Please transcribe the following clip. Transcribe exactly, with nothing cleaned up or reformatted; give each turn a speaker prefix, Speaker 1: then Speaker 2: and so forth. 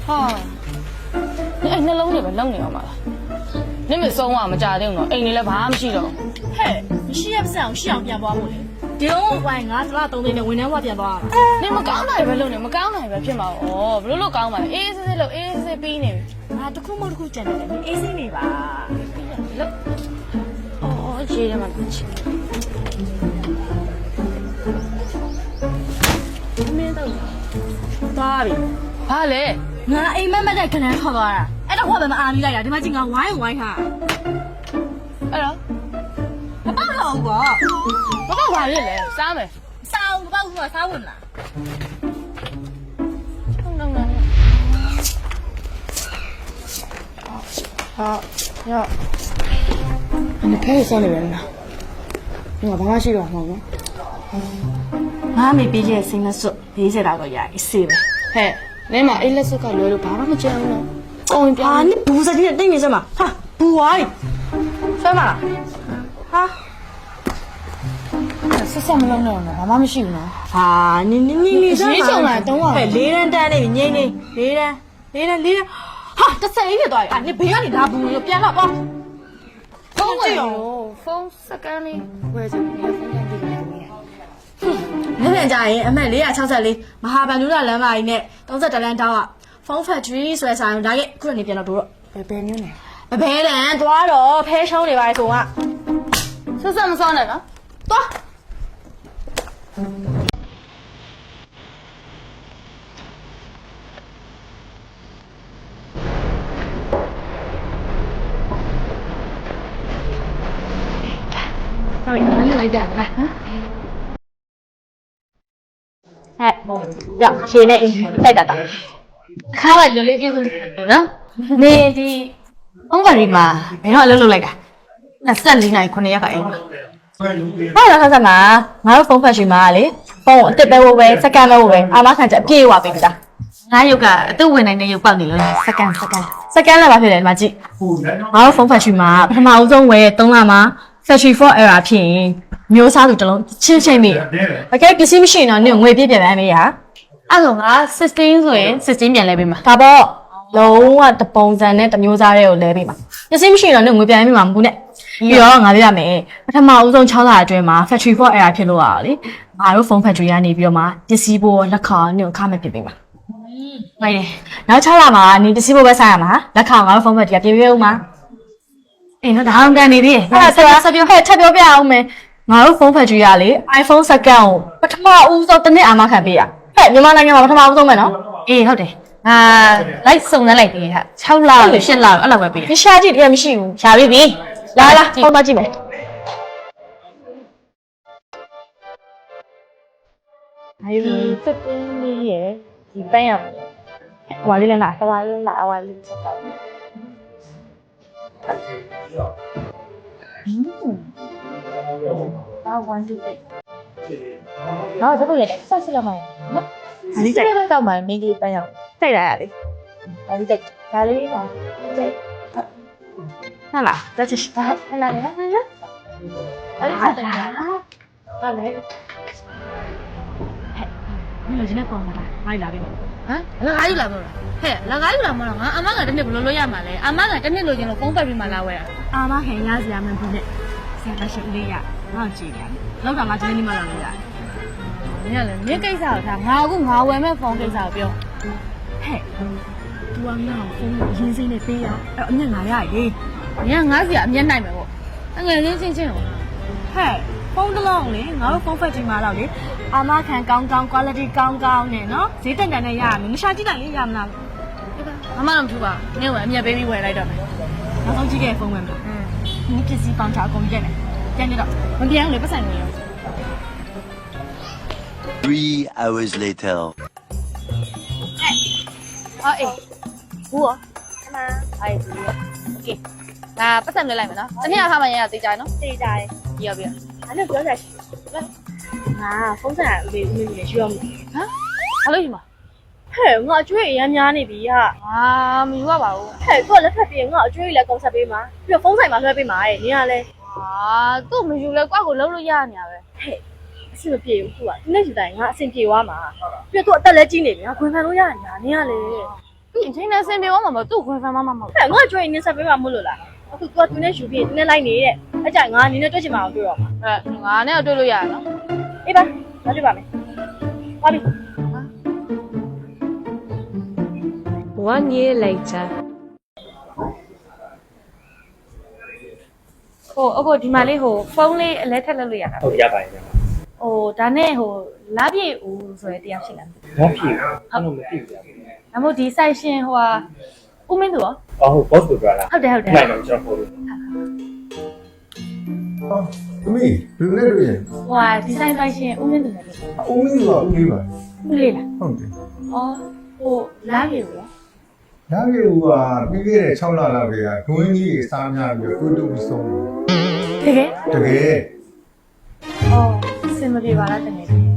Speaker 1: 哈，你哎，那冷的呗，冷的嘛。你们送我们家庭了，哎，你来爬不起了。
Speaker 2: 嘿，你是也不是我是要变包我嘞？丢喂，我是那东西的，为什么变包？
Speaker 1: 你们刚来呗，冷的，们刚来呗，偏嘛哦，不是老刚嘛，哎是是老哎是是比呢。
Speaker 2: 啊，都可冇都可真的，你 A C 你吧？
Speaker 1: 哦，哦，接着嘛，接。
Speaker 2: 没到。多呗。
Speaker 1: 怕嘞。
Speaker 2: 我哎慢慢在跟人好多啊，哎那我们阿米来呀，他妈经常玩一玩哈。
Speaker 1: 哎呀，
Speaker 2: 我包了我。
Speaker 1: 我刚玩的嘞，啥没？
Speaker 2: 啥我包我啥问啦？
Speaker 1: 等等等。好，要。你可以送你人了。我爸妈去了，好吗？
Speaker 2: 我没毕业生的时候，毕业那个也是呗。
Speaker 1: 嘿。你嘛，一来是搞聊聊，爸爸们讲了，讲一遍。
Speaker 2: 啊，你不是今天等于什么？哈，不爱，什么？哈？
Speaker 1: 是什么冷冷的？爸爸们喜欢吗？
Speaker 2: 啊，你你你你什么？
Speaker 1: 你上来等我。
Speaker 2: 哎，离人单的，你你离人离人离人，哈，这谁的多呀？你不要你拿不用变了不？
Speaker 1: 风没有，风是干的，我就你风干的干的。
Speaker 2: 你别讲耶，俺们离啊，超市里，马哈班路那人嘛，呢，当时这人打啊，方法主义说啥，大概可能你变了多了。
Speaker 1: 白白牛呢？
Speaker 2: 白白人多了，配上的外送啊，
Speaker 1: 是什么上来了？
Speaker 2: 多。
Speaker 1: 哪里哪里来的？来啊！
Speaker 2: 哎，呀，现在在干啥？
Speaker 1: 看了就来就是呢。你的方法里嘛，没有路路来个，那三零来可能也可以。
Speaker 2: 我来看什么？我有方法去嘛哩？帮我这边我喂，这干了我喂，阿妈看着别话别的。
Speaker 1: 哪有个都为难你有帮你了，实干实干。
Speaker 2: 实干了吧，别人嘛记。我有方法去嘛，他妈我种喂懂了吗？再去放二啊片。မျိုးစားသူတလုံးချင်းချင်းမိ။အကဲပစ္စည်းမရှိရင်တော့နင်ငွေပြည့်ပြည့်ပဲမေးရ။
Speaker 1: အဲ့တော့ငါ16ဆိုရင်16ပြန်လဲပေးမှာ
Speaker 2: ဒါပေါ့လုံးဝတပုံစံနဲ့တမျိုးစားတွေကိုလဲပေးမှာ။ပစ္စည်းမရှိရင်တော့နင်ငွေပြန်ပေးမှာမဟုတ်နဲ့။ပြီးတော့ငါပြရမယ်။ပထမအဦးဆုံး6လအတွင်းမှာ factory for error ဖြစ်လို့ရအောင်လေ။ငါတို့ phone factory ကနေပြီးတော့မှပစ္စည်းပို့လက်ခံနင်ခါမဲ့ပြပေးမှာ။ဟုတ်တယ်။နောက်6လမှာနင်ပစ္စည်းပို့ပဲဆိုင်ရမှာ။လက်ခံငါတို့ phone factory ကပြင်ပေးဦးမှာ။အေးနော်ဒါအောင်ကန်နေသေးတယ်။အဲ့ဒါဆက်ပြောဟဲ့ထပ်ပြောပြအောင်မယ်။ငါတို့ phone factory ကလေ iPhone စကန်ကိုပထမဦးဆုံးတစ်နှစ်အာမခံပေးရဟဲ့မြန်မာနိုင်ငံမှာပထမဦးဆုံးပဲနော်
Speaker 1: အေးဟုတ်တယ်ငါလိုက်စုံစမ်းလိုက်သေးဟာ6လလို့8လအဲ့လောက်ပဲပေးရ
Speaker 2: မရှာကြည့်တကယ်မရှိဘူးရှာပြီပြီလာလာဖုန်းမကြည့်မယ်
Speaker 1: 哎呦，这边你也几班呀？我这里哪？我这里哪？我这里。嗯。啊，关注的。然后这个也三十了嘛？哪里在？到嘛没给班呀？在哪里？哪里在？哪里嘛？在。那啦，这就是哪哪里？哪里？哪里在？哪里？你有今天放哪啦？哪里来的？啊？哪里来的？嘿，哪里来嘛？俺阿妈个真的不落落呀嘛嘞？阿妈个真的落进了风摆比嘛来喂啊？
Speaker 2: 阿妈看伢子伢们不呢，现在是不呀？我几年？老丈妈今天你妈来了呀？
Speaker 1: 你看嘞，你介绍他，我个我外面放介绍表。
Speaker 2: 嘿，都俺那风人生的悲呀，哎，你哪里来的？
Speaker 1: 你看我是也免来没我，那个人心情哦。
Speaker 2: 嘿。风得浪哩，我风飞进马路哩。阿媽看剛剛掛了啲剛剛嘅喏，誰等等的呀？你下幾單嘢呀？唔啦？
Speaker 1: 阿媽諗住吧，你外面 baby 回來的沒？
Speaker 2: 我手機嘅風ဝင်嘛。嗯。你這是放茶工嘅呢？聽得到？
Speaker 1: 我點你不想你哦。
Speaker 3: Three hours later.
Speaker 1: 哎，啊哎，我，阿媽，哎，OK，那不想你來沒喏？今天他們也要自己喏？
Speaker 2: 自己在。
Speaker 1: 要不要？
Speaker 2: 反正不要再去。啊，風扇你你你需要唔？
Speaker 1: 啊？好累嘛？
Speaker 2: 嘿，我中意飲飲呢邊啊。
Speaker 1: 啊，唔話吧？
Speaker 2: 嘿，嗰日特別我中意嚟講十邊嘛，邊個風扇嘛佢邊買？你啊咧？
Speaker 1: 啊，都唔要嚟掛個樓樓呀你啊呗？
Speaker 2: 嘿，是不ပြေဘူး啊？你那時代我先ပြေ話嘛，邊個得嚟經理啊？佢買樓呀你啊你啊咧？
Speaker 1: ဒီအချိန်နဲ့ဆင်ပြေသွားမှာမသူ့ခွင့်ဖမ်းမမမဟုတ်
Speaker 2: ဟဲ့ငါကြွေးနေဆက်ပေးမှာမလို့လားအခု तू ကသူနဲ့ယူပြီးသူနဲ့လိုက်နေတဲ့အကြိုင်ငါနင်းနဲ့တွေ့ချင်မှာအောင်တွေ့တော့မှာ
Speaker 1: အဲငါနဲ့တွေ့လို့ရရနော်
Speaker 2: အေးပါငါတွေ့ပါမယ်ပါပြီ
Speaker 4: One year later.
Speaker 2: ဟိုအခုဒီမှာလေးဟိုဖုန်းလေးအလဲထက်လုပ်လို့ရတာ
Speaker 5: ဟုတ်ရပါတယ်ဗျာ
Speaker 2: ဟိုဒါနဲ့ဟိုလာပြည့်ဦးဆိုရဲတရားရှိလား
Speaker 5: ။ဘာဖြစ်လဲ။အဲ့လိုမသိဘူးဗျာ
Speaker 2: ဒါမို့ဒီ site ရှင်ဟိုဟာဦးမင်းသူရော
Speaker 5: ။အော်ဟုတ် boss ကိုပြောတာ
Speaker 2: ဟုတ်တယ်ဟုတ်တယ်
Speaker 5: ။နိုင်တော့ကျွန်တော်ပို့လို့
Speaker 6: သမီးဘယ်နဲ့တွေ့ရင်
Speaker 2: ဟိုဟာဒီ site site ရှင်ဦးမင်းသူလည်းလို့
Speaker 6: အုံးလေးကဦးလေးပါ
Speaker 2: ဦးလေးလား
Speaker 6: ဟုတ်တယ်
Speaker 2: အော်ဟိုလာပြည့်ဦးရော
Speaker 6: ဒါပေမဲ့ကပြီးခဲ့တဲ့6လလောက်ကဒွင်းကြီးစားများပြီးတော့တူတူဆုံး
Speaker 2: တကယ်
Speaker 6: တကယ်
Speaker 2: အော်စင်မပြေပါလားတကယ်